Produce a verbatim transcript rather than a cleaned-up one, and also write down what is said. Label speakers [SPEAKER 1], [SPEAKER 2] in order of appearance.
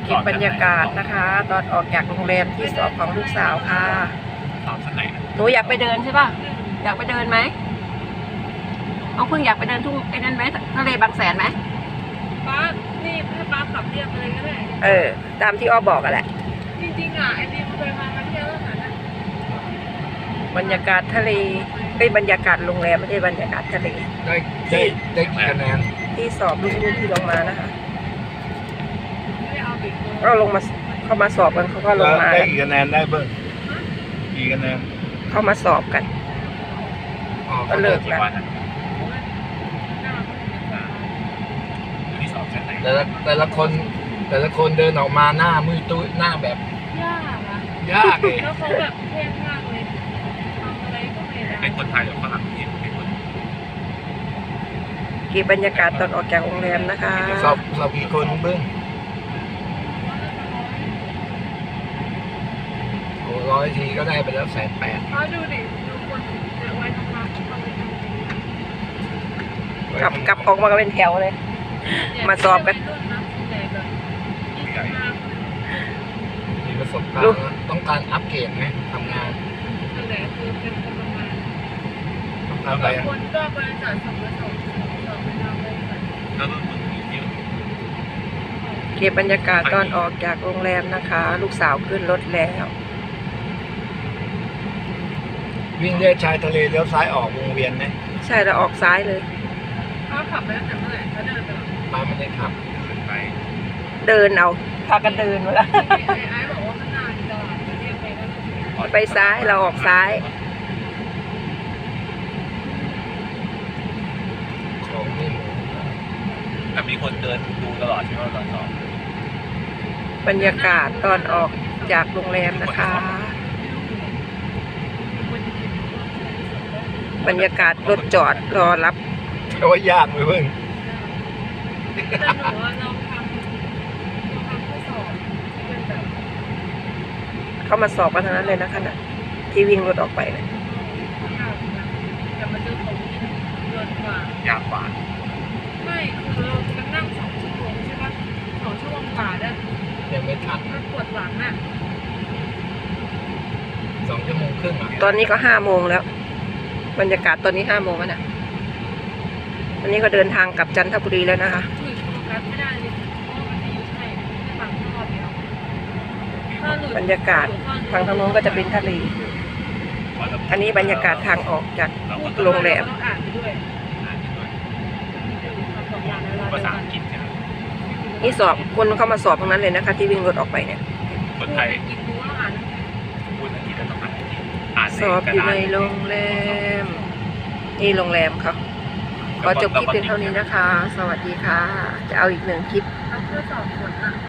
[SPEAKER 1] เก็บบรรยากาศนะคะ ตอนออกจากโรงแรมที่สอบของลูกสาวค่ะ
[SPEAKER 2] สอบชั้นไหน
[SPEAKER 1] หนูอยากไปเดินใช่ป่ะอยากไปเดินไหมน้องพึ่งอยากไปเดินทุ่งไอ้นั่นไหมทะเลบางแสนไหม
[SPEAKER 3] ป้านี่ให้ป้าขับเรียบไปเลยก็ได้
[SPEAKER 1] เออตามที่อ้อบอกกันแหละ
[SPEAKER 3] จริงๆอ่ะไอ้นี่มันเคยมามาเที่ยวแล้วนะ
[SPEAKER 1] บรรยากาศทะเลเป็นบรรยากาศโรงแรมไม่ใช่บรรยากาศทะเล
[SPEAKER 2] ได้ได้ได้กี่คะแนน
[SPEAKER 1] ที่สอบลูกๆที่ลงมานะคะ
[SPEAKER 3] ไม่เอาบิ๊ก
[SPEAKER 1] ก็ลงมาเข้ามาสอบกันเขาก็ลงมา
[SPEAKER 2] ได้กี่คะแนนได้เบิ้งกี่คะแนน
[SPEAKER 1] เข้ามาสอบกันก็เลิกแล้ว
[SPEAKER 2] แต่ละแต่ละคนแต่ละคนเดินออกมาหน้ามือตุ้ยหน้าแบบ
[SPEAKER 3] ยากอะ
[SPEAKER 2] ยากเลย
[SPEAKER 3] แล้วเขาแบบเท่มากเลยทำอะไรก็ไม่ได้
[SPEAKER 2] เป็นคนไทยหรือฝรั่งเนี่ยเป็นคน
[SPEAKER 1] เก็บบรรยากาศตอนออกจากโรงแรมนะคะ
[SPEAKER 2] สอบสอบกี่คนเบิ้งโอ้ร้อยทีก็ได้ไปแล้วแสนแปด
[SPEAKER 3] เขาดูดิดูคนเนี่ยไว้ทำงาน
[SPEAKER 1] กลับกลับออกมาก็เป็นแถวเลยมาสอบกัน
[SPEAKER 2] มีประสบการณ์ต้องการอัปเกรดไหมทำงาน
[SPEAKER 3] แต่คือเป็นคนประมาณ
[SPEAKER 2] ทำอะไร
[SPEAKER 3] คนก็บริษัทสองบริษัทสองบริษัท
[SPEAKER 2] แล้วต้นทุนเยอะ
[SPEAKER 1] เก็บบรรยากาศตอนออกจากโรงแรมนะคะลูกสาวขึ้นรถแล้ว
[SPEAKER 2] วิ่งเลียชายทะเลเลี้ยวซ้ายออกวงเวียนไหม
[SPEAKER 1] ใช่เราออกซ้ายเลย
[SPEAKER 3] เขาขับไปตั้งแต่เมื่อไหร่เขาเดินไปหรอ
[SPEAKER 2] มาไม่ได้ขับไป
[SPEAKER 1] เดินเอาพากันเดินมาแล้ว
[SPEAKER 3] ไอ้ไอ้บอกว่าข้างหน้ามีตลาดเรียกไปก็
[SPEAKER 1] ไปซ้ายเราออกซ้าย
[SPEAKER 2] ของนี่แต่มีคนเดินดูตลอดใช่ไหมตอนสอ
[SPEAKER 1] บบรรยากาศตอนออกจากโรงแรมนะคะบรรยากาศรถจอดรอรับ
[SPEAKER 2] โอ้ยยากเลยเพิ่ง
[SPEAKER 3] แต่หนูว่าเราทำเราทำข้อสอบเป็นแบบ
[SPEAKER 1] เข้ามาสอบกันทั้งนั้นเลยนะคะนะที่วิ่งรถออกไปนะ
[SPEAKER 3] แต่มันจะตรงนี้เกินกว่าย
[SPEAKER 2] ากกว่า
[SPEAKER 3] ไม่คือเราจะนั่งสองชั่วโมงใช่ปะสองชั่วโมงกว่าได้
[SPEAKER 2] ยังไม่ทัน
[SPEAKER 3] มันปวดหลังอ่ะ
[SPEAKER 2] สองชั่วโมงครึ่ง
[SPEAKER 1] ตอนนี้ก็ห้าโมงแล้วบรรยากาศตอนนี้ห้าโมงแล้วนะวันนี้ก็เดินทางกลับจันทบุรีแล้วนะคะบรรยากาศทางทางโน้นก็จะเป็นทะเลอันนี้บรรยากาศทางออกจากโรงแรมนี่สอบคนเข้ามาสอบตรงนั้นเลยนะคะที่วิ่งรถออกไปเนี่ย
[SPEAKER 2] คนไทย
[SPEAKER 1] สอบอยู่ในโรงแรมนี่โรงแรมเขาขอจบคลิปเพียงเท่านี้นะคะสวัสดีค่ะจะเอาอีกหนึ่งคลิป